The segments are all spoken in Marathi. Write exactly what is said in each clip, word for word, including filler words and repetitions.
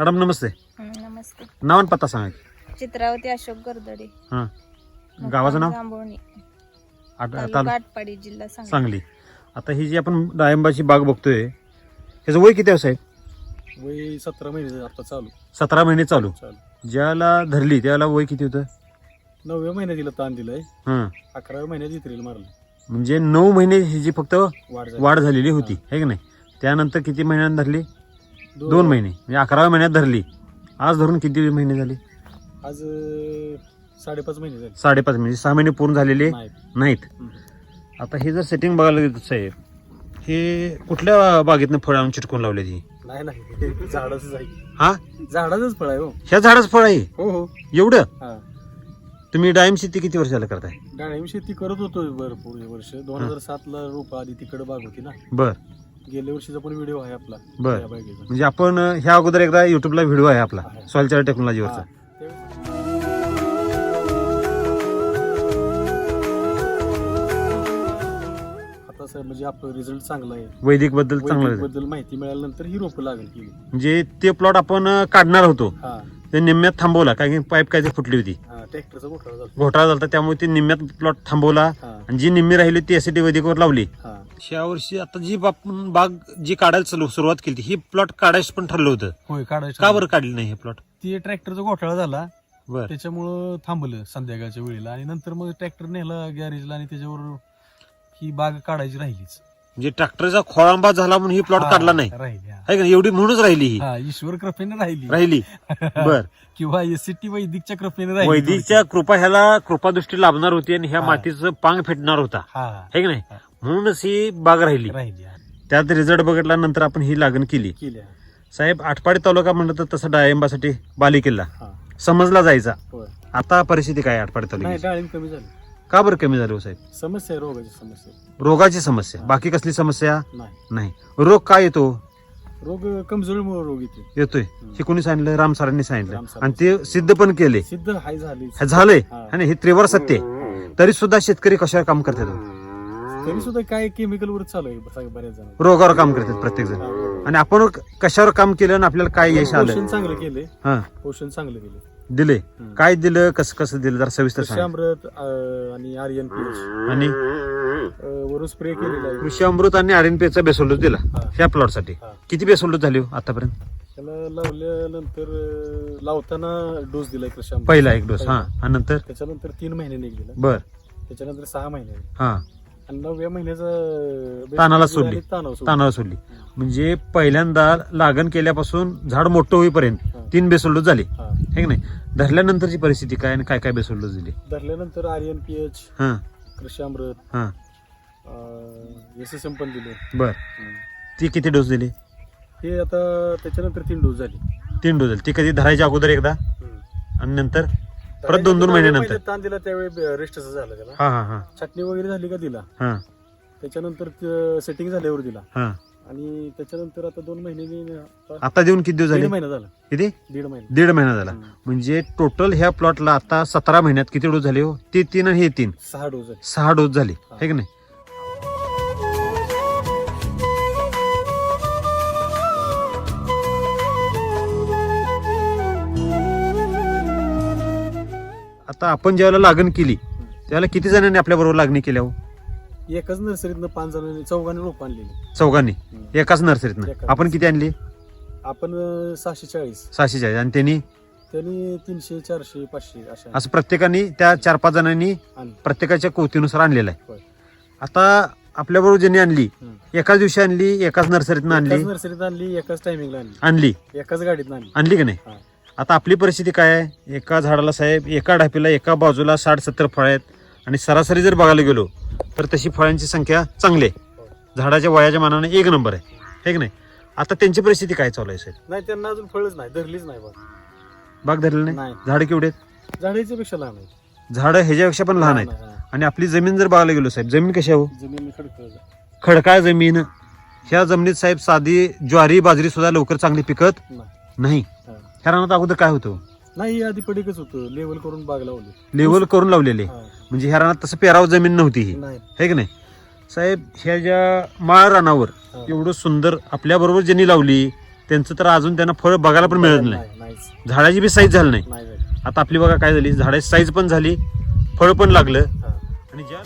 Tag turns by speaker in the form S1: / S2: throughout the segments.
S1: मॅडम नमस्ते.
S2: नमस्ते.
S1: नाव आणि पत्ता सांगा की.
S2: चित्रावती अशोक गर्दडे.
S1: हां, गावाचं नाव?
S2: जांभोळणी,
S1: आट-
S2: तालुका
S1: ताल-
S2: आटपाडी, जिल्हा सांगली.
S1: सांगली. आता ही जी आपण डाळिंबाची बाग बघतोय ह्याचं वय किती आहे साहेब?
S3: वय सतरा महिने आता चालू
S1: सतरा महिने चालू.
S3: चालू
S1: ज्याला धरली त्याला वय किती होतं?
S3: नवव्या महिन्यात तिला ताण दिलाय.
S1: हां,
S3: अकराव्या महिन्यात इत्रेल मारलं.
S1: म्हणजे नऊ महिने हिची फक्त
S3: वाढ झाली.
S1: वाढ झालेली होती, है की नाही? त्यानंतर किती महिन्यात धरली? दोन महिने, म्हणजे अकराव्या महिन्यात धरली. आज धरून किती महिने झाले?
S3: आज अं, साडेपाच महिने झाले.
S1: साडेपाच म्हणजे सहा महिने पूर्ण झालेले
S3: नाही.
S1: नाहीत.
S3: हम्म.
S1: आता हे जर सेटिंग बघायला गेलं साहेब, हे कुठल्या बागेतनं फळ आणून चिटकून लावले ती?
S3: नाही नाही झाडाच आहे.
S1: हा,
S3: झाडाचंच फळ आहे हो.
S1: ह्या झाडाचं फळ आहे
S3: हो हो
S1: एवढं?
S3: हा.
S1: तुम्ही डाळिंब शेती किती वर्षाला करताय?
S3: डाळिंब शेती करत होतो भरपूर वर्ष. दोन हजार सात ला रोप आधी तिकडे बाग होती ना.
S1: बर
S3: गेल्या वर्षीचा पण व्हिडिओ आहे आपला
S1: बर.
S3: या बागेचा.
S1: म्हणजे आपण अं, ह्या अगोदर एकदा युट्यूबला व्हिडिओ आहे आपला
S3: आहे.
S1: सॉइल चार्ट टेक्नॉलॉजीवरचा.
S3: हा. त्यावेळेस- आता सर म्हणजे आपलं रिझल्ट चांगला आहे.
S1: वैदिक बद्दल चांगलं
S3: वैदिक
S1: आहे.
S3: बद्दल माहिती मिळाल्यानंतर ही रोपं लागेल केली.
S1: म्हणजे ते प्लॉट आपण अं, काढणार होतो
S3: हा
S1: ते निम्म्यात थांबवला कारण की पाईप काय ते फुटली होती,
S3: हा ट्रॅक्टरचा घोटाळा झाला.
S1: घोटाळा झाला, त्यामुळे ती निम्म्यात प्लॉट थांबवला
S3: हा
S1: आणि जी निम्मी राहिली ती एसीटी वैदिकवर लावली.
S3: हा
S1: ह्या वर्षी आता जी आपण बाग जी काढायला चालू- सुरुवात केली ही प्लॉट काढायचं पण ठरलं होतं.
S3: होय काढायचं.
S1: का बरं काढली नाही हे प्लॉट?
S3: ती ट्रॅक्टरचा घोटाळा झाला
S1: बर
S3: त्याच्यामुळं थांबलं संध्याकाळच्या वेळेला आणि नंतर मग ट्रॅक्टर नेला गॅरेजला आणि त्याच्यावर ही बाग काढायची राहिलीच.
S1: म्हणजे ट्रॅक्टरचा खोळांबा झाला म्हणून ही प्लॉट
S3: हा,
S1: काढला नाही
S3: राहिली हा.
S1: आहे का नाही? एवढी म्हणूनच राहिली ही
S3: हा ईश्वर कृपेने राहिली
S1: राहिली. बर
S3: किंवा एसीटी वैदिकच्या कृपेने राहिली.
S1: वैदिकच्या कृपा ह्याला कृपादृष्टी लाभणार होती आणि ह्या
S3: हा.
S1: मातीचं पांग फेडणार होता,
S3: हा
S1: है की नाही?
S3: हा.
S1: म्हणूनच ही बाग राहिली.
S3: राहिली हा.
S1: त्यात रिझल्ट बघितल्यानंतर आपण ही लागण केली.
S3: केली हा.
S1: साहेब आटपाडी तालुका म्हणलं तर तसं डाळिंबासाठी बालेकिल्ला
S3: हा
S1: समजला जायचा.
S3: होय.
S1: आता परिस्थिती काय आहे आटपाडी
S3: नाही
S1: तालुक्याची?
S3: डाळिंब कमी झाली.
S1: का बरं कमी झाली हो साहेब?
S3: समस्या आहे रोगाची समस्या
S1: रोगाची समस्या, बाकी कसली समस्या
S3: नाही.
S1: नाही. रोग काय येतो?
S3: रोग कमजोरीमुळे रोग येते.
S1: येतोय. हे कोणी सांगितलं? राम सरांनी
S3: राम
S1: सांगितलं
S3: सरांनी.
S1: आणि ते सिद्ध पण केले.
S3: सिद्ध हाय झाली.
S1: हे झालंय
S3: हा.
S1: आणि हे त्रिवार सत्य आहे. तरी सुद्धा शेतकरी कशावर काम करतात हो?
S3: तरी सुद्धा काय केमिकल वर चालू आहे ब- बऱ्याच जण.
S1: रोगावर काम करतात प्रत्येक जण. आणि आपण कशावर काम केलं आणि आपल्याला काय यश आलं?
S3: पोषण चांगलं केले.
S1: हा
S3: पोषण चांगलं केले.
S1: दिले.
S3: हम्म.
S1: काय दिलं, कसं कसं दिलं जरा सविस्तर सांग.
S3: कृषामृत अं, आणि आर्यन पीएच
S1: आणि
S3: वरून स्प्रे केलेला आहे.
S1: कृषी अमृत आणि आर एन पी चा बेसोल्डोस दिला
S3: हा.
S1: ह्या प्लॉट साठी.
S3: हा.
S1: किती बेसोल्डोस झाले हो आतापर्यंत?
S3: त्याला लावल्यानंतर अं, लावताना डोस दिलाय कृषामृत.
S1: पहिला एक डोस. हा आणि नंतर
S3: त्याच्यानंतर तीन महिन्याने एक दिला.
S1: बर
S3: त्याच्यानंतर सहा महिन्याने
S1: हा
S3: आणि नवव्या महिन्याचा
S1: तानाला सोडली.
S3: तानावर सोडली.
S1: तानावर सोडली. म्हणजे पहिल्यांदा लागण केल्यापासून झाड मोठं होईपर्यंत
S3: हा.
S1: तीन बेसोल्डोस झाले,
S3: हा.
S1: हे की नाही? धरल्यानंतरची परिस्थिती काय आणि काय काय बेसोल्डोस दिले?
S3: धरल्यानंतर आर्यन पीएच
S1: हा
S3: कृषामृत
S1: हा
S3: एस एस एम पण दिले.
S1: बर. ती किती डोस दिली?
S3: हे आता त्याच्यानंतर तीन डोस झाले.
S1: तीन डोस दिले. ती कधी धरायच्या अगोदर एकदा आणि नंतर परत दोन दोन महिन्यानंतर?
S3: ताण दिला त्यावेळी रेस्टच झालं त्याला.
S1: हा हा हा
S3: छाटणी वगैरे झाली का दिला.
S1: हा
S3: त्याच्यानंतर सेटिंग झाल्यावर दिला
S1: हा
S3: आणि त्याच्यानंतर आता दोन महिन्यांनी आता
S1: आता देऊन किती दिवस
S3: दीड
S1: झाले?
S3: महिना झाला.
S1: किती?
S3: दीड महिना.
S1: दीड महिना झाला.
S3: हम्म.
S1: म्हणजे टोटल ह्या प्लॉटला आता सतरा महिन्यात किती डोस झाले हो? ते तीन आणि हे तीन,
S3: सहा डोस झाले.
S1: सहा डोस झाले,
S3: हा.
S1: हे की नाही? आता आपण ज्यावेळेला लागण केली त्यावेळेला किती जणांनी आपल्या बरोबर लागणी केल्या हो?
S3: एकाच नर्सरीतनं पाच जणांनी चौघांनी रोप आणलेली.
S1: चौघांनी
S3: हम्म.
S1: एकाच नर्सरीतनं.
S3: एकाच.
S1: आपण किती आणली?
S3: आपण अं, सहाशे चाळीस
S1: सहाशे चाळीस. आणि त्यांनी
S3: त्यांनी तीनशे चारशे पाचशे अशा
S1: असं प्रत्येकाने त्या चार पाच जणांनी
S3: आणले.
S1: प्रत्येकाच्या कोवतीनुसार आणलेलं आहे.
S3: होय.
S1: आता आपल्या बरोबर ज्यांनी आणली
S3: हम्म.
S1: एकाच दिवशी आणली, एकाच नर्सरीतनं आणली
S3: एकाच नर्सरीत आणली, एकाच टायमिंगला आणली,
S1: आणली
S3: एकाच गाडीत आणली.
S1: आणली की नाही?
S3: हा.
S1: आता आपली परिस्थिती काय आहे? एका झाडाला साहेब एका ढापीला एका बाजूला साठ सत्तर फळं आहेत आणि सरासरी जर बघायला गेलो तर तशी फळांची संख्या चांगली आहे. झाडाच्या वयाच्या मानाने एक नंबर आहे, हे की नाही? आता त्यांची परिस्थिती काय चालू आहे साहेब?
S3: नाही त्यांना अजून फळच नाही, धरलीच नाही बघ.
S1: बाग धरलेली नाही.
S3: नाही.
S1: झाडं केवढे आहेत?
S3: झाडाच्या पेक्षा लहान आहे.
S1: झाडं ह्याच्यापेक्षा पण लहान आहेत.
S3: हा.
S1: आणि आपली जमीन जर बघायला गेलो साहेब, जमीन कशी आहे हो?
S3: जमीन खडखड.
S1: खडकाळ जमीन. ह्या जमिनीत साहेब साधी ज्वारी बाजरी सुद्धा लवकर चांगली पिकत
S3: नाही.
S1: नाही.
S3: हा.
S1: ह्या रानात अगोदर काय होतं?
S3: नाही आधी पडीकच होतं, लेवल करून बाग लावली.
S1: लेवल करून लावलेले.
S3: हा.
S1: म्हणजे ह्या रानात तसं पेराव जमीन नव्हती ही,
S3: नाही.
S1: हे की नाही साहेब? ह्या ज्या माळ रानावर
S3: हा.
S1: एवढं सुंदर आपल्या बरोबर ज्यांनी लावली त्यांचं तर अजून त्यांना फळ बघायला पण मिळत नाही.
S3: नाहीच
S1: झाडाची बी साईज झाली नाही.
S3: नाही झाली.
S1: आता आपली बघा काय झाली, झाडाची साईज पण झाली, फळ पण लागलं.
S3: हा.
S1: आणि ज्या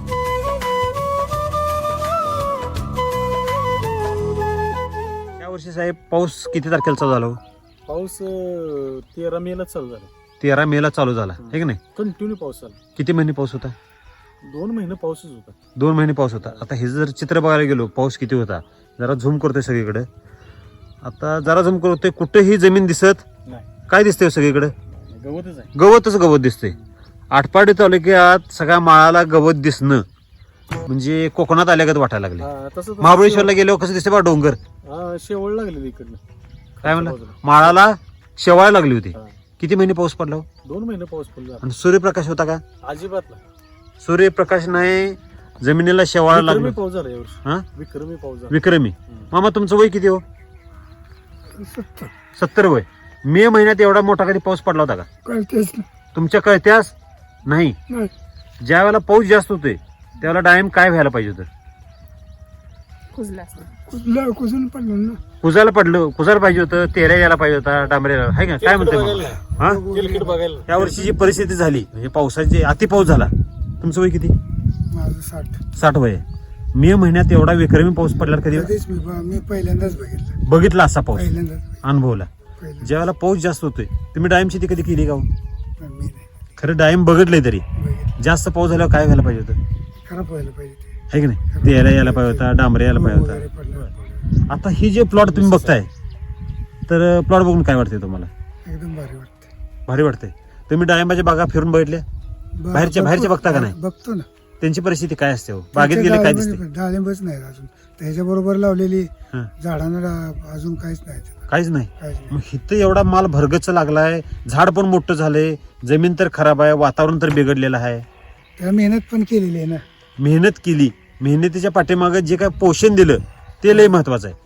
S1: या वर्षी साहेब पाऊस किती तारखेला चालू झाला हो?
S3: पाऊस अं, तेरा मे ला चालू झाला.
S1: तेरा मे ला चालू झाला आहे की नाही?
S3: कंटिन्यू पाऊस चालू.
S1: किती महिने पाऊस होता?
S3: दोन महिने पाऊसच होता.
S1: दोन महिने पाऊस होता. आता हे जर चित्र बघायला गेलो पाऊस किती होता, जरा झूम करतोय सगळीकडे. आता जरा झूम करतोय, कुठेही जमीन दिसत
S3: नाही,
S1: काय दिसतंय सगळीकडे?
S3: गवतच आहे.
S1: गवतच गवत दिसतंय. आटपाडी तालुक्यात सगळ्या माळाला गवत दिसणं म्हणजे कोकणात आल्यागत वाटायला लागले.
S3: हा, तसं तसं
S1: महाबळेश्वरला गेल्यावर कसं दिसते बा डोंगर,
S3: हा, शेवळ लागलेली इकडनं.
S1: काय म्हणलं,
S3: बाजूला.
S1: माळाला शेवाळ लागली होती.
S3: हा.
S1: किती महिने पाऊस पडला हो?
S3: दोन महिने पाऊस पडला.
S1: आणि सूर्यप्रकाश होता का?
S3: अजिबात नाही.
S1: सूर्यप्रकाश नाही, जमिनीला शेवाळ
S3: विक्रमी
S1: लागलं.
S3: पाऊस झाला यावर्षी.
S1: हा,
S3: विक्रमी पाऊस झाला.
S1: विक्रमी.
S3: हम्म.
S1: मामा तुमचं वय किती हो? सत्तर वय. मे महिन्यात एवढा मोठा कधी पाऊस पडला होता का?
S4: कळतेच
S1: तुमच्या कळत्यास नाही.
S4: नाही.
S1: ज्या वेळेला पाऊस जास्त होतोय त्यावेळेला डाळिंब काय व्हायला पाहिजे होतं?
S2: कुजला असतो.
S4: कुजला कुजून पडलं ना.
S1: कुजायला पडलं, कुजायला पाहिजे होतं, तेऱ्या यायला पाहिजे होता, डांबऱ्याला, हाय का? काय म्हणते
S3: बघायला
S1: मग?
S3: नाही.
S1: हा,
S3: तेलकट बघायला.
S1: या वर्षी जी परिस्थिती झाली म्हणजे पावसाची अति पाऊस झाला. तुमचं वय किती?
S4: माझं साठ.
S1: साठ वय आहे. मे महिन्यात एवढा विक्रमी पाऊस पडल्यावर कधी
S4: कधीच मी ब- मी पहिल्यांदाच बघितलं.
S1: बघितला असा पाऊस,
S4: पहिल्यांदाच बघितलं.
S1: अनुभवला.
S4: पहिल्यांदा.
S1: ज्या वेळेला पाऊस जास्त होतोय, तुम्ही डाळिंब शेती कधी केली का हो?
S4: पण मी नाही
S1: खरं डाळिंब बघितलंय तरी
S4: बघितलं.
S1: जास्त पाऊस झाल्यावर काय व्हायला पाहिजे होतं?
S4: खराब व्हायला पाहिजे ते.
S1: है की नाही? तेऱ्या यायला पाहिजे होता, डांबऱ्या यायला पाहिजे
S4: वगैरे
S1: होता.
S4: पडलं, पडलं.
S1: आता ही जे प्लॉट तुम्ही बघताय, तर प्लॉट बघून काय वाटते तुम्हाला?
S4: एकदम भारी वाटते.
S1: भारी वाटतंय. तुम्ही डाळिंबाच्या बागा फिरून बघितल्या?
S4: ब-
S1: बाहेरच्या- बाहेरच्या
S4: बघतो-
S1: बघता का नाही?
S4: बघतो ना.
S1: त्यांची परिस्थिती काय असते हो? बागेत
S4: त्याच्या
S1: गेले काय
S4: डाळिंब-
S1: दिसते?
S4: डाळिंबच नाही अजून. त्याच्याबरोबर लावलेली
S1: हं.
S4: झाडांना डा- अजून काहीच नाही त्याला.
S1: काहीच नाही.
S4: काहीच नाही.
S1: मग इथं एवढा माल भरगच लागलाय, झाड पण मोठं झालंय, जमीन तर खराब आहे, वातावरण तर बिघडलेलं आहे.
S4: त्याला मेहनत पण केलेली आहे ना.
S1: मेहनत केली, मेहनतीच्या पाठीमागे जे काय पोषण दिलं ते लय महत्वाचं आहे.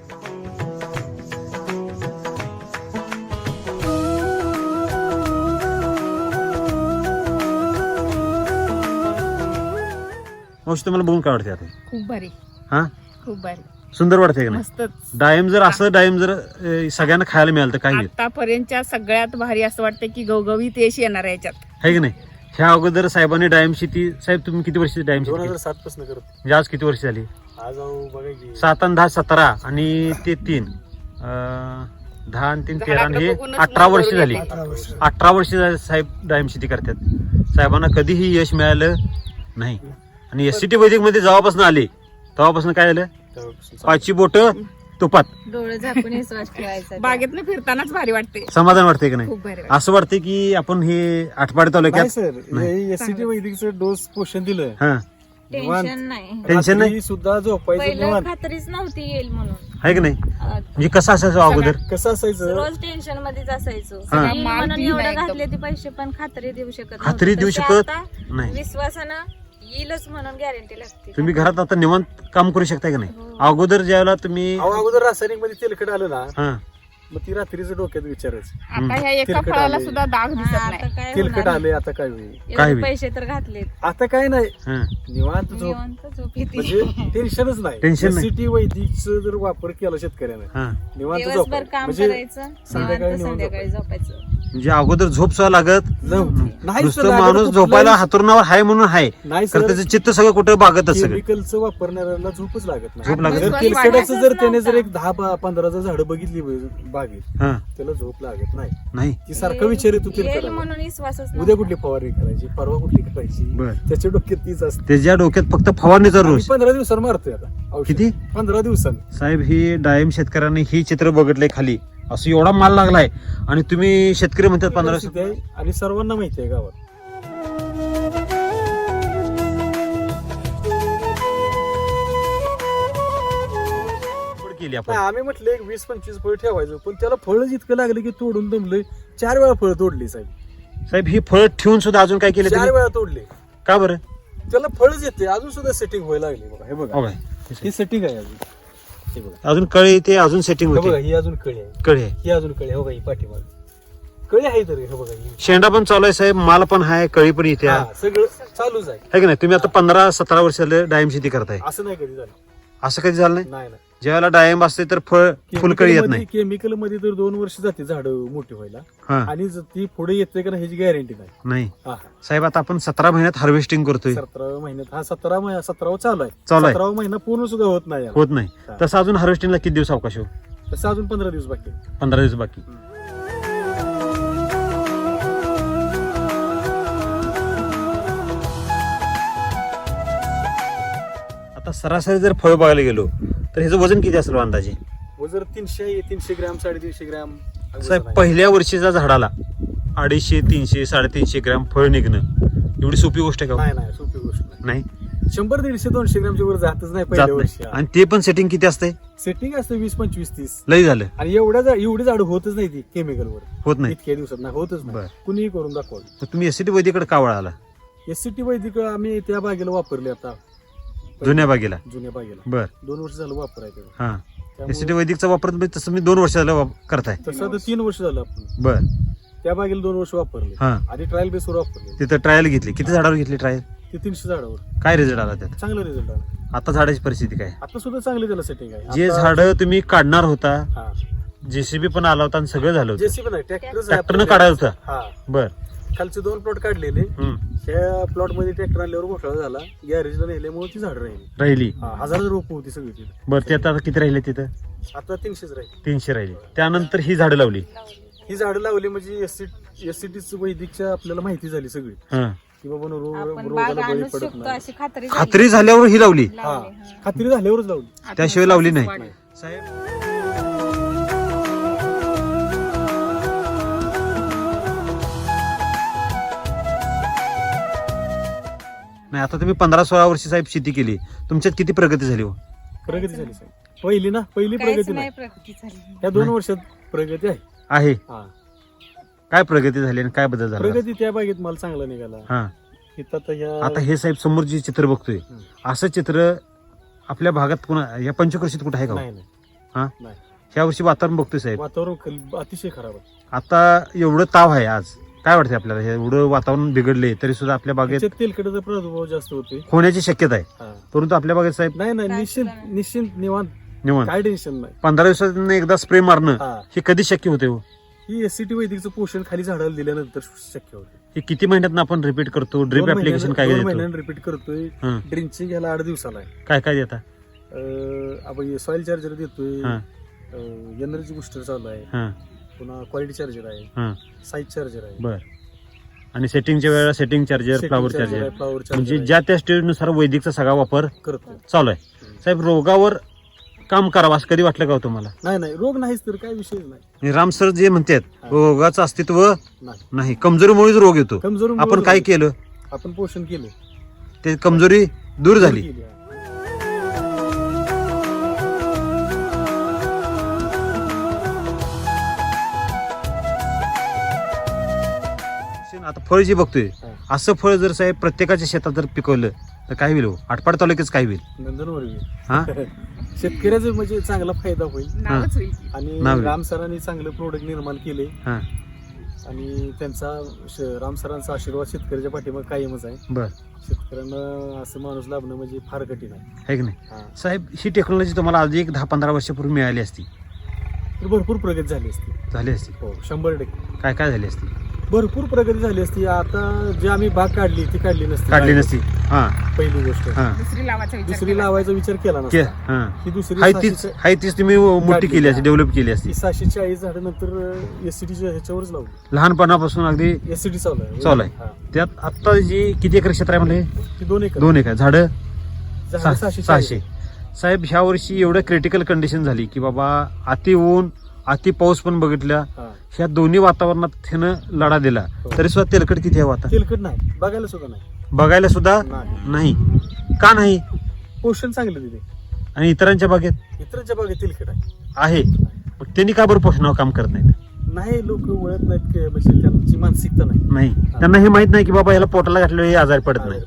S1: मावशी तुम्हाला बघून काय वाटते आता?
S2: खूप भारी,
S1: हा,
S2: खूप भारी,
S1: सुंदर वाटते का नाही?
S2: मस्तच.
S1: डाळिंब जर असं डाळिंब जर अं, सगळ्यांना खायला मिळालं तर काय होईल?
S2: आतापर्यंतच्या सगळ्यात भारी असं वाटतं की गवगवीत यश येणार आहे याच्यात.
S1: आहे की नाही? ह्या अगोदर साहेबांनी डाळिंब शेती, साहेब तुम्ही किती वर्षी डाळिंब शेती
S3: दोन
S1: केली?
S3: हजार सात पासून करत.
S1: म्हणजे आज किती वर्ष झाली?
S3: आज अहो बघा की
S1: सात आणि दहा सतरा आणि ते तीन अं, दहा आणि तीन तेरा आणि हे
S2: झाडाकडे बघूनच
S1: अठरा
S2: मन
S1: वर्ष
S2: भरून
S1: झाली.
S2: येते.
S4: अठरा वर्ष.
S1: अठरा वर्ष झाली साहेब डाळिंब शेती करतात. साहेबांना कधीही यश मिळालं नाही. आणि एस सी टी वैदिक मध्ये जेव्हापासून आले तेव्हापासून काय झालं?
S3: तेव्हापासून चालू.
S1: पाचची बोट तुपात.
S2: डोळे झाकून विश्वास ठेवायचा. बागेतनं फिरतानाच भारी वाटते.
S1: समाधान वाटते की नाही?
S2: खूप भारी वाटते.
S1: असं वाटते की आपण हे आठपाडी
S3: नाही
S1: तालुक्यात
S3: सर, एससीटी वैदिकचं डोस पोषण दिलं.
S1: हा,
S3: निवांत.
S2: टेन्शन नाही.
S1: टेन्शन नाही.
S3: रात्री सुद्धा झोपायचं
S2: पहिलं
S3: निवांत.
S2: खात्रीच नव्हती येईल म्हणून.
S1: आहे की नाही?
S2: अं,
S1: म्हणजे कसं असायचं अगोदर?
S3: कसं असायचं,
S2: रोज टेन्शन मध्येच असायचो.
S1: हा.
S2: येईल म्हणून एवढं घातले ते पैसे पण खात्री देऊ शकत नव्हते.
S1: खात्री देऊ
S2: तसे
S1: शकत
S2: आता
S1: नाही.
S2: विश्वासानं येईलच म्हणून गॅरंटी लागते.
S1: तुम्ही घरात आता निवांत काम करू शकता की नाही?
S2: हो.
S1: अगोदर ज्यावेळेला तुम्ही
S3: अहो, अगोदर रासायनिक मध्ये तेलकट आलं ना,
S1: हा,
S3: मग ती रात्रीचं डोक्यात विचारायचं,
S2: आता ह्या एका
S3: तेलकट
S2: फळाला
S3: आले.
S2: सुद्धा डाग दिसत नाही.
S3: तेलकट आले आता काय होईल.
S1: काय
S2: एवढे
S1: होईल?
S2: पैसे तर घातलेत.
S3: आता काय नाही,
S1: हा.
S3: निवांत झोप.
S2: निवांत झोप येते.
S3: म्हणजे टेन्शनच नाही.
S1: टेन्शन नाही.
S3: एससीटी वैदिकचं जर वापर केला शेतकऱ्याने,
S1: हा.
S3: निवांत
S2: दिवसभर
S3: झोप
S2: काम
S3: म्हणजे
S2: करायचं,
S3: संध्याकाळी
S2: निवांत
S3: निवांत
S2: संध्याकाळी झोपायचं.
S1: म्हणजे अगोदर झोप सुद्धा लागत
S3: नव्हती. नाही
S1: नुसतं
S3: सर,
S1: माणूस
S3: कुठलंही-
S1: झोपायला हातरुणावर हाय म्हणून हाय,
S3: नाही
S1: तर
S3: सर,
S1: त्याचं चित्त सगळं कुठं बागतच सगळं.
S3: केमिकलचं वापरणाऱ्याला झोपच लागत नाही.
S1: झोप लागत
S3: जर
S2: नाही.
S3: तेलकटाचं जर त्याने जर
S2: नव्हता.
S3: एक दहा बा- पंधरा जर झाडं बघितली बागेत,
S1: हा,
S3: त्याला झोप लागत नाही.
S1: नाही.
S3: ती सारखा विचार येतो
S2: येईल
S3: तेलकट
S2: म्हणून विश्वासच
S3: उद्या
S2: नव्हता.
S3: कुठली फवारणी करायची, परवा कुठली करायची,
S1: बर.
S3: त्याच्या डोक्यात तीच असते.
S1: त्याच्या डोक्यात फक्त फवारणीचा
S3: आम्ही
S1: रोष.
S3: पंधरा दिवसांनी मारतोय आता औषध.
S1: किती?
S3: पंधरा दिवसांनी.
S1: साहेब ही डाळिंब शेतकऱ्यांनी ही चित्र बघितलंय खाली, असं एवढा माल लागलाय आणि तुम्ही शेतकरी म्हणतात पंधरा
S3: परिस्थिती आहे आणि सर्वांना माहिती आहे गावात.
S1: केली
S3: नाही,
S1: आपण.
S3: आम्ही म्हटलं एक वीस पंचवीस फळ ठेवायचं, पण त्याला फळच इतकं लागलं की तोडून दमलंय. चार वेळा फळ तोडली साहेब,
S1: साहेब ही फळ ठेवून सुद्धा अजून काय केलं
S3: चार
S1: तुम्ही?
S3: वेळा तोडले.
S1: का बरं?
S3: त्याला फळच येते, अजून सुद्धा सेटिंग व्हायला लागली. बघा हे
S1: हो
S3: बघा,
S1: काय?
S3: ही सेटिंग आहे अजून. हे बघा,
S1: अजून कळी ते अजून सेटिंग
S3: हे बघा,
S1: होते.
S3: ही अजून कळी आहे,
S1: कळी आहे.
S3: ही अजून कळी आहे. हो का, ही पाठीमाग कळी आहे तरी. हे बघा, ही
S1: शेंडा पण चालू आहे साहेब, माल पण आहे, कळी पण इथे आहे.
S3: हा, सगळं चालूच आहे.
S1: है की नाही? तुम्ही आता पंधरा सतरा वर्षाला डाळिंब शेती करताय,
S3: असं नाही कधी झालं.
S1: असं कधी झालं नाही?
S3: नाही नाही
S1: ज्यावेळेला डाळिंब असते तर फळ फुलकळी येत नाही.
S3: केमिकल मध्ये तर दोन वर्ष जाते झाड मोठी व्हायला
S1: हा
S3: आणि ज- ती पुढे येते का नाही ह्याची गॅरंटी नाही.
S1: नाही
S3: हा
S1: साहेब आता आपण सतरा महिन्यात हार्वेस्टिंग करतोय,
S3: सतराव्या महिन्यात हा सतरा महिना सतरावा चालू आहे.
S1: चालू आहे.
S3: सतरावा महिना पूर्ण सुद्धा होत नाही याला.
S1: होत नाही.
S3: हा.
S1: तसं अजून हार्वेस्टिंगला किती दिवस अवकाश हो?
S3: तसं अजून पंधरा दिवस बाकी आहे.
S1: पंधरा दिवस बाकी. आता सरासरी जर फळ बघायला गेलो तर ह्याचं वजन किती असेल अंदाजे?
S3: व जर तीनशे तीनशे ग्रॅम साडेतीनशे ग्रॅम
S1: साहेब पहिल्या वर्षीच्या झाडाला अडीचशे तीनशे साडेतीनशे ग्रॅम फळ निघणं एवढी सोपी गोष्ट आहे का हो?
S3: नाही नाही सोपी गोष्ट नाही.
S1: नाही
S3: शंभर दीडशे दोनशे ग्रॅमच्या वर जातच नाही
S1: जात
S3: पहिल्या वर्षी.
S1: नाही. आणि ते पण सेटिंग किती असते?
S3: सेटिंग असते वीस पंचवीस तीस
S1: लई झालं.
S3: आणि एवढ्या जा- एवढी झाड होतच नाही ती केमिकल वर
S1: होत नाही.
S3: इतक्या दिवसात नाही होतच
S1: बरं.
S3: नाही. कुणीही करून दाखवलं.
S1: तर तुम्ही एसटी वैदिकडे का वळाला?
S3: एस सी टी वैदिक आम्ही त्या बागेला वापरले आता
S1: जुन्या बागेला?
S3: जुन्या बागेला
S1: बर.
S3: दोन वर्ष झालं वापरायचं.
S1: हा
S3: त्यामुळे
S1: एसटी वैदिकचा वापर तुम्ही तसं मी दोन वर्ष झालं वाप- करताय.
S3: तसं आता तीन वर्ष झालं आपण
S1: बर.
S3: त्या बागेला दोन वर्ष वापरले.
S1: हा
S3: आधी ट्रायल बेसवर वापरले.
S1: तिथं ट्रायल घेतली. किती झाडावर घेतली ट्रायल?
S3: ते तीनशे झाडावर
S1: काय रिझल्ट आला त्यात?
S3: चांगला रिझल्ट आला.
S1: आता झाडाची परिस्थिती काय?
S3: आता सुद्धा चांगली त्याला सेटिंग आहे.
S1: जे
S3: आता-
S1: झाड तुम्ही काढणार होता,
S3: हा
S1: जेसीबी पण आला होता आणि सगळं झालं होतं,
S3: जेसीबी नाही ट्रॅक्टर
S1: ट्रॅक्टरनं काढायचं होतं.
S3: हा
S1: बर.
S3: खालचे दोन प्लॉट काढलेले.
S1: हम्म.
S3: त्या प्लॉट मध्ये ट्रॅक्टर आणल्यावर घोटाळा झाला. गॅरेजला नेल्यामुळे ती झाड राहिली.
S1: राहिली.
S3: हा, हजार रोप होती सगळी ती.
S1: बर. ते आता किती राहिले तिथं?
S3: आता तीनशेच राहिली.
S1: तीनशे राहिली. त्यानंतर ही झाडं लावली.
S3: ही झाडं लावली म्हणजे एस एससीटी वैदिकच्या आपल्याला माहिती झाली सगळी
S1: हा
S3: की बाबा नो- रो-
S2: आपण बाग
S3: रोगाला बळी
S2: आणू
S3: पडत
S2: शकतो
S3: नाही.
S2: अशी खात्री झाली.
S1: खात्री झाल्यावर ही लावली.
S3: हा
S2: लावली, हा.
S3: खात्री झाल्यावरच लावली.
S1: त्याशिवाय लावली नाही.
S2: वाढली.
S1: साहेब नाही आता तुम्ही पंधरा सोळा वर्षी साहेब शेती केली, तुमच्यात किती प्रगती झाली हो?
S3: प्रगती झाली साहेब. पहिली ना पहिली
S2: काहीच
S3: प्रगती
S2: नाही
S3: नाही.
S2: प्रगती झाली.
S3: या दोन
S1: नाही.
S3: वर्षात प्रगती आहे.
S1: आहे.
S3: हा
S1: काय प्रगती झाली आणि काय बदल झाला?
S3: प्रगती त्या बागेत मला चांगला निघाला.
S1: हा
S3: इथं आता ह्या
S1: आता हे साहेब समोर जे चित्र बघतोय
S3: हम्म.
S1: असं चित्र आपल्या भागात कुणा या पंचकृषीत कुठं आहे का हो?
S3: नाही नाही
S1: हा
S3: नाही.
S1: ह्या वर्षी वातावरण बघतोय साहेब,
S3: वातावरण खल- अतिशय खराब आहे.
S1: आता एवढं ताव आहे आज, काय वाटतंय आपल्याला? हे एवढं वातावरण बिघडले तरी सुद्धा आपल्या बागेत
S3: त्याच्यात तेलकटाचा प्रादुर्भाव जास्त होतोय.
S1: होण्याची शक्यता आहे,
S3: हा.
S1: परंतु आपल्या बागेत साहेब
S3: नाही नाही
S2: काय
S3: निश्चिंत
S2: सुद्धा नाही.
S3: निश्चिंत निवांत
S1: निवांत
S3: काय टेन्शन नाही.
S1: पंधरा दिवसात एकदा स्प्रे मारणं
S3: हा
S1: हे कधी शक्य होते हो?
S3: ही एससीटी वैदिकचं पोषण खाली झाडाला दिल्यानंतर शक्य होते.
S1: हे किती महिन्यात आपण रिपीट करतो? ड्रिप ऍप्लिकेशन काय
S3: दोन
S1: देतो?
S3: महिन्यानं रिपीट करतोय.
S1: हं.
S3: ड्रिंचिंग याला आठ दिवसाला आहे.
S1: काय काय देता?
S3: अं, आपण सॉइल चार्जर देतोय.
S1: हा
S3: एनर्जी बुस्टर चालू आहे.
S1: हा
S3: पुन्हा क्वालिटी चार्जर आहे.
S1: हा
S3: साईज चार्जर आहे.
S1: बर. आणि सेटिंगच्या वेळेला setting charger, flower charger,
S3: flower
S1: म्हणजे
S3: चार्जर
S1: ज्या त्या स्टेजनुसार वैदिकचा सगळा वापर
S3: करतोय.
S1: चालू आहे. साहेब रोगावर काम करावं असं कधी वाटलं का हो तुम्हाला?
S3: नाही नाही रोग नाहीच तर काय विषयच नाही.
S1: आणि राम सर जे म्हणतात
S3: हा.
S1: रोगाचं अस्तित्व
S3: नाही
S1: नाही, कमजोरीमुळेच रोग येतो.
S3: कमजोरी
S1: आपण काय केलं?
S3: आपण पोषण केलं.
S1: ते कमजोरी दूर झाली.
S3: केली.
S1: आता फळ जे बघतोय
S3: हा.
S1: असं फळ जर साहेब प्रत्येकाच्या शेतात जर पिकवलं तर काय होईल हो? आटपाड तालुक्याच काय होईल?
S3: नंदनवर बी.
S1: हा
S3: शेतकऱ्याचा म्हणजे चांगला फायदा होईल.
S2: नावच होईल की.
S3: आणि
S1: नाव आहे.
S3: राम सरांनी चांगलं प्रोडक्ट निर्माण केले
S1: हा
S3: आणि त्यांचा श- राम सरांचा आशीर्वाद शेतकऱ्याच्या पाठीमागे कायमच आहे.
S1: बर.
S3: शेतकऱ्यांना असं माणूस लाभणं म्हणजे फार कठीण आहे.
S1: आहे की नाही
S3: हा.
S1: साहेब? ही टेक्नॉलॉजी तुम्हाला आज एक दहा पंधरा वर्षापूर्वी मिळाली असती,
S3: तर भरपूर प्रगती झाली असती.
S1: झाली असती.
S3: हो शंभर टक्के
S1: काय काय झाली असती?
S3: भरपूर प्रगती झाली असती. आता जी आम्ही बाग काढली ती काढली नसती.
S1: काढली नसती. हा
S3: पहिली गोष्ट.
S1: हा
S2: दुसरी लावायचा विचार
S3: दुसरी
S2: केला.
S3: लावायचा विचार केला
S1: के-
S3: नसता.
S1: हा
S3: ही दुसरी
S1: हाय तीच
S3: सहाशे-
S1: हाय तीच तुम्ही मोठी
S3: काढली.
S1: केली असती, डेव्हलप केली असती.
S3: ही सहाशे चाळीस झाडं नंतर एससीटीच्या ह्याच्यावरच लावली.
S1: लहानपणापासून अगदी
S3: एससीटी चालू आहे.
S1: चालू आहे.
S3: हा.
S1: त्यात आता जी किती एकर क्षेत्र आहे म्हणजे?
S3: ती दोन एकर
S1: दोन एकर. झाडं
S3: झाडं
S1: सहा-
S3: सहाशे
S1: सहाशे. साहेब ह्या वर्षी एवढं क्रिटिकल कंडिशन झाली की बाबा अति ऊन अति पाऊस पण बघितला,
S3: हा.
S1: ह्या दोन्ही वातावरणात त्यानं लढा दिला
S3: हो.
S1: तरी सुद्धा तेलकट किती आहे हो आता?
S3: तेलकट नाही बघायला सुद्धा नाही.
S1: बघायला सुद्धा
S3: नाही.
S1: नाही. का नाही?
S3: पोषण चांगलं दिले.
S1: आणि इतरांच्या बागेत
S3: इतरांच्या बागेत तेलकट आहे.
S1: आहे, मग त्यांनी का बरं पोषणावर काम करत नाहीत?
S3: नाही लोक ओळख नाहीत की म्हणजे त्यांची मानसिकता नाही.
S1: नाही, त्यांना हे माहित नाही की बाबा याला पोटाला घातल्यावर हे आजारी पडत नाही.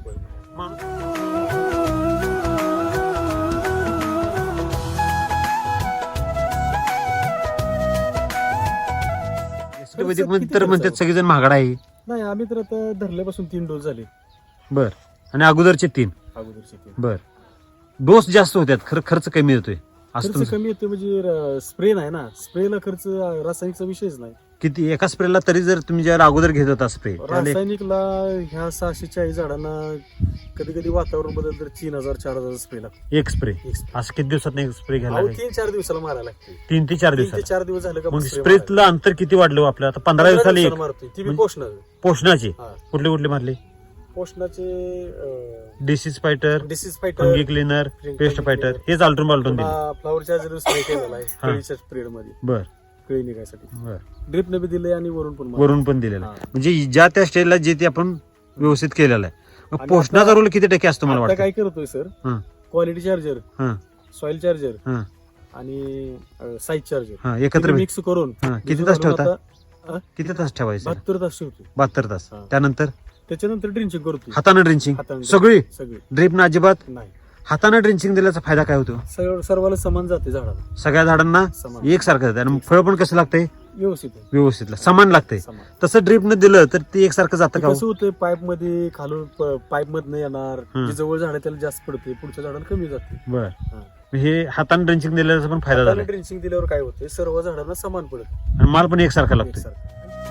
S1: वैदिक मध्ये तर म्हणतात सगळेजण महागडा आहे.
S3: नाही आम्ही तर आता धरल्यापासून तीन डोस झाले.
S1: बर. आणि अगोदरचे तीन.
S3: अगोदरचे तीन.
S1: बर. डोस जास्त होत्यात, खरं खर्च कमी होतोय. असं
S3: खर्च
S1: तुमचं
S3: कमी येतो म्हणजे स्प्रे नाही ना, स्प्रेला खर्च रासायनिकचा विषयच नाही.
S1: किती एका स्प्रेला तरी जर तुम्ही ज्याला अगोदर घेत होता स्प्रे
S3: रासायनिकला ह्या सहाशे चाळीस झाडांना कधी कधी वातावरण बदल तर तीन हजार चार हजार स्प्रे लागतो
S1: एक स्प्रे
S3: एक spray.
S1: असं किती दिवसात एक स्प्रे घ्यायला
S3: अहो,
S1: लागेल?
S3: तीन चार दिवसाला मारायला लागते.
S1: तीन ते चार
S3: तीन ते
S1: दिवसात
S3: चार दिवस झाले का
S1: मग
S3: spray
S1: स्प्रेतलं अंतर किती वाढलं हो आपलं आता पंधरा
S3: मारायला.
S1: दिवसाला एक
S3: दिवसाला मारतोय ती बी
S1: म्हणजे-
S3: पोषण
S1: पोषणाची
S3: हा.
S1: कुठले कुठले मारले?
S3: पोषणाचे
S1: disease fighter,
S3: disease
S1: fungi
S3: fighter,
S1: cleaner,
S3: Fungi
S1: pest
S3: cleaner.
S1: Fighter हेच आलटून पालटून दिले.
S3: फ्लावर चार्जर स्प्रे केलेला आहे
S1: हा.
S3: केळीच्या स्प्रेड मध्ये
S1: बर
S3: केळी निघायसाठी
S1: बर
S3: ड्रिप ने बी दिले आणि वरून पण मारलं.
S1: वरून पण दिलेलं आहे.
S3: हा.
S1: म्हणजे ज्या त्या स्टेजला जे ते आपण व्यवस्थित केलेलं आहे. मग
S3: आणि
S1: पोषणाचा
S3: आता-
S1: रोल किती टक्के असतो मला
S3: आता
S1: वाटतं?
S3: काय करतोय सर,
S1: हा.
S3: क्वालिटी चार्जर,
S1: हा
S3: सॉइल चार्जर
S1: हा
S3: आणि साईज चार्जर
S1: हा एकत्र भेट-
S3: मिक्स करून
S1: हा. किती
S3: भिजू
S1: तास
S3: घालून
S1: ठेवता?
S3: आता
S1: किती तास ठेवायचं?
S3: बहात्तर तास ठेवतो.
S1: बहात्तर तास.
S3: हा.
S1: त्यानंतर
S3: त्याच्यानंतर ड्रिंचिंग करतो.
S1: हाताने ड्रिंचिंग
S3: हाताने
S1: सगळी
S3: सगळी
S1: ड्रीप ना अजिबात
S3: नाही,
S1: हाताने ड्रिंचिंग दिल्याचा फायदा काय होतो?
S3: सर्व सर्वाला समान जाते झाडाला,
S1: सगळ्या झाडांना
S3: समान
S1: एकसारखं जाते आणि फळ पण कसं लागतंय?
S3: व्यवस्थित आहे.
S1: व्यवस्थित समान लागतंय.
S3: समान.
S1: तसं ड्रीपनं दिलं तर ते एकसारखं जातं
S3: ते
S1: का हो?
S3: कसं होतंय, पाईप मध्ये खालून पाईप मधनं येणार,
S1: हम्म.
S3: जे जवळ झाड आहे त्याला जास्त पडते, पुढच्या झाडाला कमी जाते.
S1: बर
S3: हा.
S1: हे हाताने ड्रिंचिंग दिल्याचा पण फायदा झाला
S3: ड्रिंचिंग दिल्यावर काय होतंय, सर्व झाडांना समान पडत
S1: आणि माल पण एकसारखा लागतोय.
S3: एकसारखं.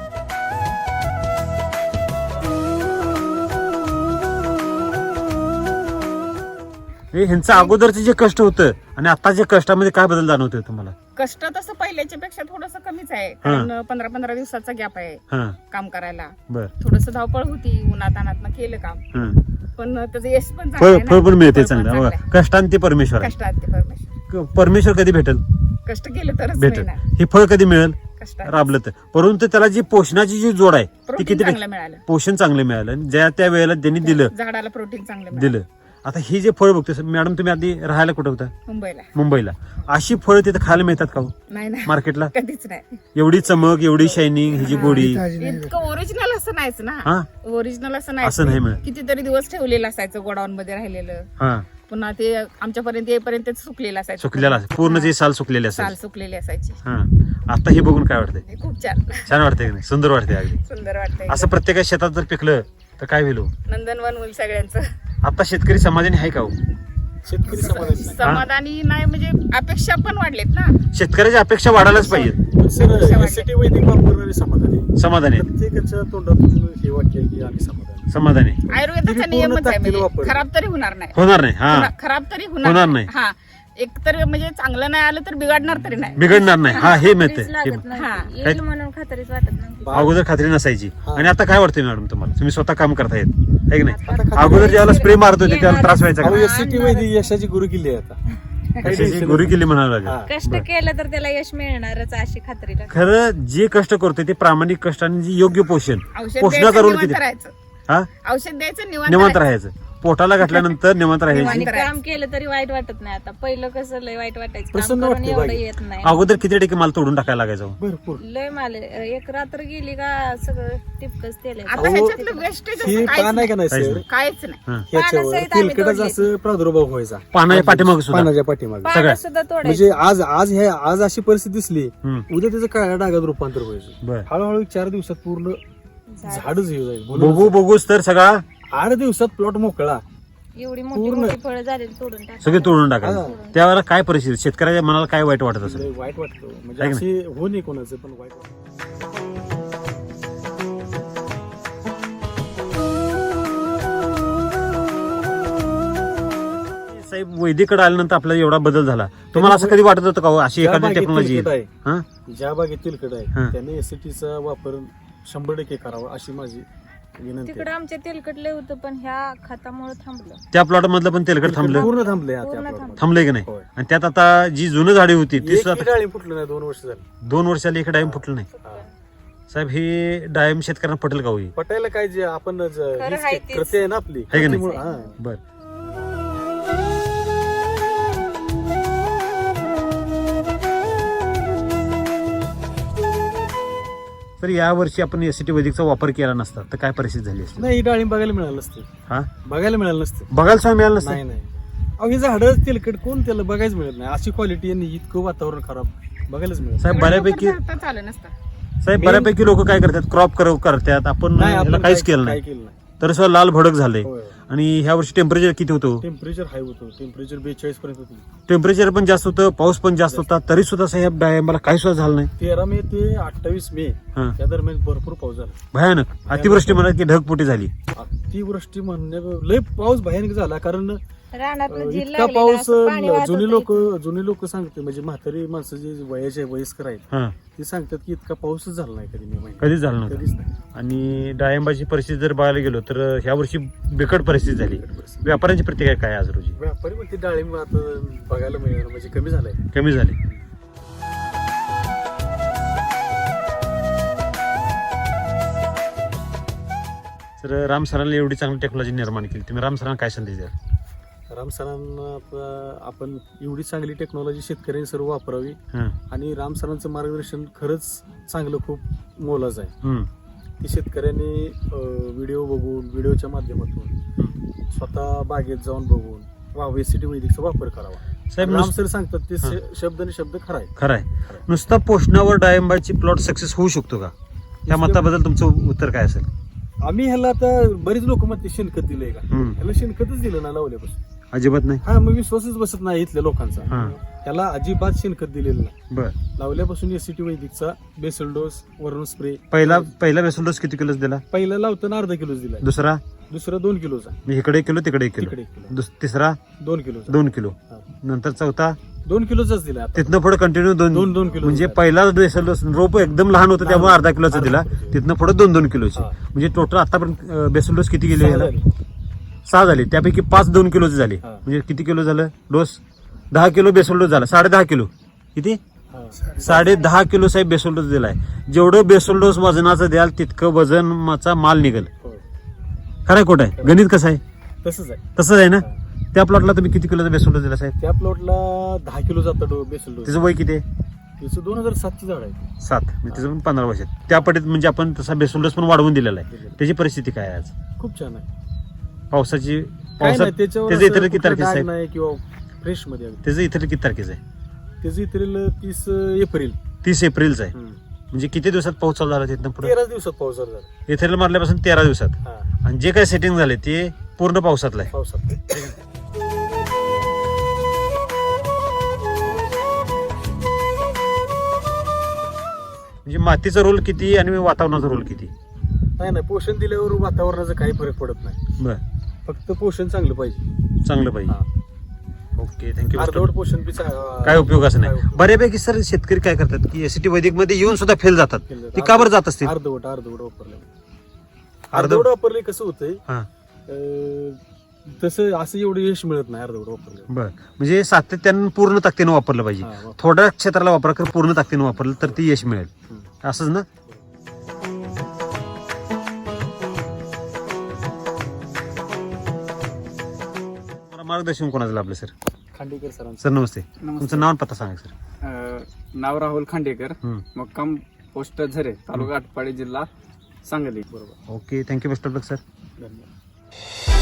S1: हे ह्यांचं अगोदरचं जे कष्ट होतं आणि आताच्या कष्टामध्ये काय बदल जाणवतोय तुम्हाला?
S2: कष्ट तसं पहिल्याच्या पेक्षा थोडस कमीच आहे, कारण पंधरा पंधरा दिवसाचा गॅप आहे
S1: हा
S2: काम करायला.
S1: बर
S2: थोडस धावपळ होती, उन्हातानात केलं काम,
S1: हा.
S2: पण त्याचं यश पण चांगलं
S1: फळ
S2: आहे ना.
S1: फळ पण मिळते
S2: फळ पण
S1: चांगलं.
S2: चांगलं आहे.
S1: बघा, कष्टांत ते परमेश्वर आहे.
S2: कष्टात ते परमेश्वर,
S1: परमेश्वर कधी भेटेल?
S2: कष्ट केलं तरच
S1: भेटेल.
S2: मिळणार.
S1: हे फळ कधी मिळेल?
S2: कष्टात
S1: राबलं तर. परंतु त्याला जी पोषणाची जी जोड आहे ती
S2: प्रोटीन
S1: किती
S2: चांगलं
S1: टक्के?
S2: मिळालं,
S1: पोषण चांगलं मिळालं आणि ज्या त्या वेळेला त्यांनी दिलं
S2: झाडाला प्रोटीन चांगलं मिळालं.
S1: दिलं. आता ही जे फळ बघतोय मॅडम, तुम्ही आधी राहायला कुठं होता?
S2: मुंबईला
S1: मुंबईला. अशी फळं तिथे खायला मिळतात का हो
S2: नाही ना,
S1: मार्केटला?
S2: कधीच नाही.
S1: एवढी चमक, एवढी शायनिंग, ह्याची गोडी
S4: ताजी नाही.
S2: इतकं ओरिजिनल असं नाहीच ना.
S1: हा
S2: ओरिजिनल असं
S1: असं नाही
S2: नाही,
S1: मिळत.
S2: कितीतरी दिवस ठेवलेलं असायचं गोडाऊन मध्ये राहिलेलं,
S1: हा
S2: पुन्हा ते आमच्यापर्यंत येईपर्यंत ते सुकलेलं असायचं,
S1: सुकलेला असेल. पूर्ण जे साल सुकलेले
S2: साल
S1: असेल.
S2: सुकलेली असायची.
S1: हा आता हे बघून काय वाटतंय?
S2: हे खूप छान
S1: छान वाटतंय की नाही? सुंदर वाटतंय अगदी.
S2: सुंदर वाटतंय.
S1: असं प्रत्येक शेतात जर पिकलं तर काय होईल हो?
S2: नंदनवन होईल सगळ्यांचं.
S1: आता शेतकरी समाधानी आहे का हो?
S3: शेतकरी समाधानी नाही.
S2: समाधानी नाही म्हणजे अपेक्षा पण वाढलेत ना.
S1: शेतकऱ्याच्या अपेक्षा वाढायलाच पाहिजेत.
S3: पण सर, एसीटी वैदिक वापरणारे समाधानी आहे.
S1: समाधानी आहेत.
S3: प्रत्येकाच्या तोंडातून हे वाक्य आहे की आम्ही समाधानी आहे.
S1: समाधानी
S2: आयुर्वेदाचा
S3: पूर्ण
S2: नियमच आहे,
S3: ताकदीने
S2: म्हणजे
S3: वापरलं.
S2: खराब तरी होणार नाही.
S1: होणार नाही. हा
S2: होणार- खराब तरी
S1: होणार
S2: होणार
S1: नाही.
S2: हा, एक तर म्हणजे चांगलं नाही आलं तर बिघडणार तरी नाही.
S1: बिघडणार नाही. हा हे मिळत
S5: खात्रीच लागत नाही.
S2: हा.
S5: येईल म्हणून खात्रीच वाटत नाही.
S1: अगोदर खात्री नसायची.
S3: हा.
S1: आणि आता काय वाटतंय मॅडम तुम्हाला? तुम्ही स्वतः काम करता येत आहे की नाही?
S3: आता खात्री-
S1: अगोदर ज्यावेळेला स्प्रे मारत होते त्यावेळेला त्रास व्हायचा
S3: अहो,
S1: का?
S3: एसीटी वैदिक यशाची गुरु किल्ली आहे आता. काही
S1: कशाची
S3: tension
S1: गुरु
S3: नाही.
S1: केली म्हणावं लागेल.
S3: हा.
S5: कष्ट
S1: बरं.
S5: केलं तर त्याला यश मिळणारच अशी खात्री लागते.
S1: खरं जे कष्ट करतोय ते प्रामाणिक कष्ट आणि जे योग्य पोषण
S2: औषध
S1: पोषणाचा
S2: द्यायचं,
S1: रोल
S2: निवांत
S1: किती?
S2: राहायचं.
S1: हा
S2: औषध द्यायचं, निवांत
S1: निवांत
S2: राहायचं.
S1: राहायचं. पोटाला घातल्यानंतर निवांत
S5: आणि
S1: राहायची.
S2: करायचं.
S5: काम केलं तरी वाईट वाटत नाही. आता पहिलं कसं लय वाईट वाटायचं, काम
S3: प्रसन्न
S5: करून
S3: वाटते
S5: एवढं
S3: बाकी.
S5: येत नाही.
S1: अगोदर किती टक्के माल तोडून टाकायला लागायचा हो?
S3: भरपूर
S5: लय माल एक रात्र गेली का सगळं टिपकच तेल
S2: आता
S3: अहो,
S2: ह्याच्यातलं वेस्टेज
S3: हे पान आहे का नाही
S1: काहीच
S3: सर,
S1: नाही.
S2: काहीच नाही.
S1: हा.
S3: ह्याच्यावर
S5: पानासहित आम्ही
S3: तेलकटाचा
S5: तोडली.
S3: असं प्रादुर्भाव व्हायचा
S1: पानाच्या पाठीमागे सुद्धा
S3: पानाच्या पाठीमागे.
S1: सगळ्या.
S5: पानं सुद्धा तोडायची.
S3: म्हणजे आज आज हे आज अशी परिस्थिती दिसली,
S1: हम्म.
S3: उद्या त्याचं काळ्या डागात रूपांतर व्हायचं.
S1: बर
S3: हळूहळू चार दिवसात पूर्ण झाडच हे जाईल.
S1: बघू बघूच तर सगळा
S3: आठ दिवसात प्लॉट मोकळा.
S5: एवढी मोठी
S3: पूर्ण.
S5: मोठी फळं झालेली तोडून टाकायची.
S1: सगळे तोडून टाकायचं.
S3: हा.
S1: त्यावेळेला काय परिस्थिती? शेतकऱ्याच्या मनाला काय वाईट वाटत असेल?
S3: लय वाईट वाटतं म्हणजे
S1: आहे की
S3: अशी हो नाही कोणाचं, पण वाईट वाटतं.
S1: साहेब वैदिकडे आल्यानंतर आपल्याला एवढा बदल झाला. तुम्हाला असं कधी वाटत होतं का हो, अशी
S3: ज्या
S1: एखादी
S3: बागेत
S1: टेक्नॉलॉजी
S3: तेलकट आहे,
S1: हा
S3: ज्या बागेत तेलकट
S1: हा.
S3: आहे त्याने एसीटीचा वापर शंभर टक्के करावा अशी माझी विनंती
S5: तिकडे
S3: आहे.
S5: आमच्या तेलकट लय होतं, पण ह्या खतामुळे थांबलं.
S1: त्या प्लॉट मधलं पण तेलकट थांबलं
S3: पूर्ण थांबले आता
S5: पूर्ण
S3: त्या
S5: थांबलं.
S3: plot
S1: थांबलंय की नाही?
S3: होय.
S1: आणि त्यात आता जी जुनं झाडी होती ती
S3: एक
S1: सुद्धा
S3: डाळी फुटलं नाही, दोन वर्ष झाली.
S1: दोन वर्षाला एक डायम फुटलं नाही.
S3: हा.
S1: साहेब हे डायम शेतकऱ्यांना पटेल का होई?
S3: पटायला काय जे आपण ज-
S5: खरं
S3: हीच
S5: आहे तेच.
S3: कृती आहे ना आपली,
S1: आहे की नाही?
S3: कृतीमुळं, हा.
S1: बर तर या वर्षी आपण एसीटी वैदिकचा वापर केला नसता तर काय परिस्थिती झाली असती?
S3: नाही, ही डाळिंब बघायला मिळालं नसतं,
S1: हा
S3: बघायला मिळालं नसतं.
S1: बघायला सुद्धा मिळालं नसतं.
S3: नाही नाही अहो, हे झाडं तेलकट कोण त्याला बघायच मिळत नाही. अशी क्वालिटी आणि इतकं वातावरण खराब बघायलाच मिळत
S1: साहेब बऱ्यापैकी
S2: लवकर झालं नसतं.
S1: साहेब बऱ्यापैकी लोक काय करतात? क्रॉप करतात आपण
S3: नाही.
S1: ह्याला
S3: आपण
S1: काहीच
S3: काय-
S1: केलं
S3: काय
S1: नाही.
S3: केलं नाही.
S1: तर सुद्धा लाल भडक झालंय.
S3: होय.
S1: आणि ह्या वर्षी टेम्परेचर किती होतं?
S3: टेम्परेचर हाय होतं, टेम्परेचर बेचाळीस पर्यंत होतं.
S1: टेम्परेचर पण जास्त होतं, पाऊस पण जास्त होता, तरी सुद्धा साहेब डाळिंबाला काही सुद्धा झालं नाही.
S3: तेरा मे ते अठ्ठावीस मे
S1: हा.
S3: या दरम्यान भरपूर पाऊस झाला.
S1: भयानक अतिवृष्टी म्हणा की ढगफुटी झाली.
S3: अतिवृष्टी म्हणण्या लय पाऊस भयानक झाला, कारण
S5: रानात
S3: अं,
S5: झील
S3: इतका
S5: लागलेला,
S3: पाऊस
S5: असं पाणी वाहत
S3: जुनी
S5: होतं
S3: लोक
S5: इथं.
S3: जुनी लोक सांगते, म्हणजे म्हातारी माणसं जे वयाचे वयस्कर आहेत
S1: हा
S3: ते सांगतात की इतका पाऊसच झाला नाही कधी मे महिन्यात.
S1: कधीच झालं नव्हतं.
S3: कधीच नाही.
S1: आणि डाळिंबाची परिस्थिती जर बघायला गेलो तर ह्या वर्षी बिकट परिस्थिती झाली. व्यापाऱ्यांची प्रतिक्रिया काय आज रोजी?
S3: व्यापारी म्हणते डाळिंब आता बघायला मिळणार म्हणजे कमी झालंय.
S1: कमी झाली. तर राम सरांनी एवढी चांगली टेक्नॉलॉजी निर्माण केली, तुम्ही राम सरांना काय संदेश द्याल?
S3: राम सरांना आपलं- आपण एवढी चांगली टेक्नॉलॉजी शेतकऱ्यांनी सर्व वापरावी,
S1: हा.
S3: आणि राम सरांचं मार्गदर्शन खरंच चांगलं खूप मोलाचं आहे.
S1: हम्म.
S3: की शेतकऱ्यांनी व्हिडिओ बघून, व्हिडिओच्या माध्यमातून स्वतः बागेत जाऊन बघून वा वेसिटी वैदिकचा वापर करावा.
S1: साहेब
S3: राम
S1: नुस-
S3: सर सांगतात ते
S1: हा.
S3: श- शब्द आणि शब्द खरा आहे.
S1: खरं आहे. नुसता पोषणावर डाळिंबाची प्लॉट सक्सेस होऊ शकतो का? त्या मताबद्दल तुमचं उत्तर काय असेल?
S3: आम्ही ह्याला आता बरीच लोक म्हणते शेणखत दिलंय का,
S1: हम्म.
S3: ह्याला शेणखतच दिलं ना लावल्यापासून.
S1: अजिबात नाही.
S3: हा, मग विश्वासच बसत नाही इथल्या लोकांचा.
S1: हा.
S3: त्याला अजिबात शेणखत दिलेलं नाही.
S1: बर.
S3: लावल्यापासून एसीटी वैदिकचा बेसल डोस, वरून स्प्रे.
S1: पहिला पहिला बेसल डोस किती किलोच दिला?
S3: पहिला लावताना अर्धा किलोच दिला,
S1: दुसरा
S3: दुसरा दोन किलोचा,
S1: म्हणजे इकडे एक किलो तिकडे एक किलो,
S3: तिकडे एक किलो,
S1: दुस- तिसरा
S3: दोन किलोचा,
S1: दोन किलो,
S3: हा.
S1: नंतर चौथा
S3: दोन किलोचाच दिला आता.
S1: तिथनं पुढे कंटिन्यू दोन
S3: दोन दोन किलो
S1: म्हणजे पहिला बेसल डोस रोप एकदम लहान होतं त्यामुळे
S3: लहान.
S1: अर्धा किलोचा
S3: अर्धा
S1: दिला,
S3: किलोचा.
S1: तिथनं पुढे दोन दोन किलोचे.
S3: हा.
S1: म्हणजे टोटल आतापर्यंत बेसल डोस किती गेले
S3: सहा
S1: याला?
S3: झाले.
S1: सहा झाले, त्यापैकी पाच दोन किलोचे झाले.
S3: हा.
S1: म्हणजे किती किलो झालं डोस? दहा किलो बेसल डोस झाला, साडे दहा किलो. किती?
S3: हा.
S1: साडे दहा किलो साहेब बेसल डोस दिलाय. जेवढं बेसल डोस वजनाचं द्याल तितकं वजनाचा माल निघेल.
S3: होय.
S1: खरंय खोट आहे? गणित कसं आहे?
S3: तसंच आहे.
S1: तसंच आहे ना?
S3: हा.
S1: त्या प्लॉटला तुम्ही किती किलोचा बेसल डोस दिला साहेब?
S3: त्या प्लॉटला दहा किलो जातो डो बेसल डोस.
S1: त्याचं वय किती आहे?
S3: त्याचं दोन हजार सातची झाड आहे.
S1: सात. म्हणजे त्याचं पण पंधरा वर्ष. त्या पटीत म्हणजे आपण तसा बेसल डोस पण वाढवून दिलेला आहे. त्याची परिस्थिती काय आहे आज?
S3: खूप छान आहे.
S1: पावसाची
S3: काय
S1: पावसात
S3: नाही, त्याच्यावर
S1: त्याचं इतर
S3: असं
S1: किती
S3: कुठलं
S1: तारखेचं
S3: डाग
S1: साहेब?
S3: नाही किंवा फ्रेश मध्ये आहे.
S1: त्याचं इतर किती तारखेचं आहे?
S3: त्याचं इतर तीस एप्रिल.
S1: तीस एप्रिलचं आहे.
S3: हम्म.
S1: म्हणजे किती दिवसात पाऊस चालू झाला तिथनं पुढे?
S3: तेरा दिवसात पाऊस झाला.
S1: इथेरियल मारल्यापासून तेरा दिवसात.
S3: हा,
S1: आणि जे काय सेटिंग झाले ते पूर्ण पावसातलं आहे.
S3: पावसात.
S1: म्हणजे मातीचा रोल किती आणि वातावरणाचा रोल किती?
S3: नाही नाही, पोषण दिल्यावर वातावरणाचा काही फरक पडत नाही.
S1: बर.
S3: फक्त पोषण चांगलं पाहिजे.
S1: चांगलं पाहिजे.
S3: हा.
S1: Okay, thank you.
S3: अर्धवट पोषण बी चा-
S1: काय उपयोगाचं
S3: काय
S1: नाही.
S3: उपयोग?
S1: बऱ्यापैकी सर शेतकरी काय करतात की एसीटी वैदिक मध्ये येऊन सुद्धा फेल जातात.
S3: फेल जातात.
S1: ती का बरं जात असतील?
S3: अर्धवट अर्धवट वापरलं.
S1: अर्धवट-
S3: अर्धवट वापरले कसं होतंय,
S1: हा.
S3: अं, तसं असं एवढं यश मिळत नाही अर्धवट वापरलं.
S1: बर. म्हणजे सातत्यानं पूर्ण ताकदीनं वापरलं पाहिजे.
S3: हा, वापर.
S1: थोड्या क्षेत्राला वापरा कर पूर्ण ताकदीनं वापरलं तर ती यश मिळेल.
S3: हम्म.
S1: असंच ना? मला मार्गदर्शन कोणाचं लाभलं सर?
S3: खांडेकर सरांचं.
S1: सर नमस्ते.
S6: नमस्ते.
S1: तुमचं नाव आणि पत्ता सांगा सर.
S6: अ, नाव राहुल खांडेकर,
S1: हम्म.
S6: मुक्काम पोस्ट झरे, तालुका आटपाडी, जिल्हा सांगली.
S3: बरोबर.
S1: Okay, thank you best of luck sir.
S3: धन्यवाद.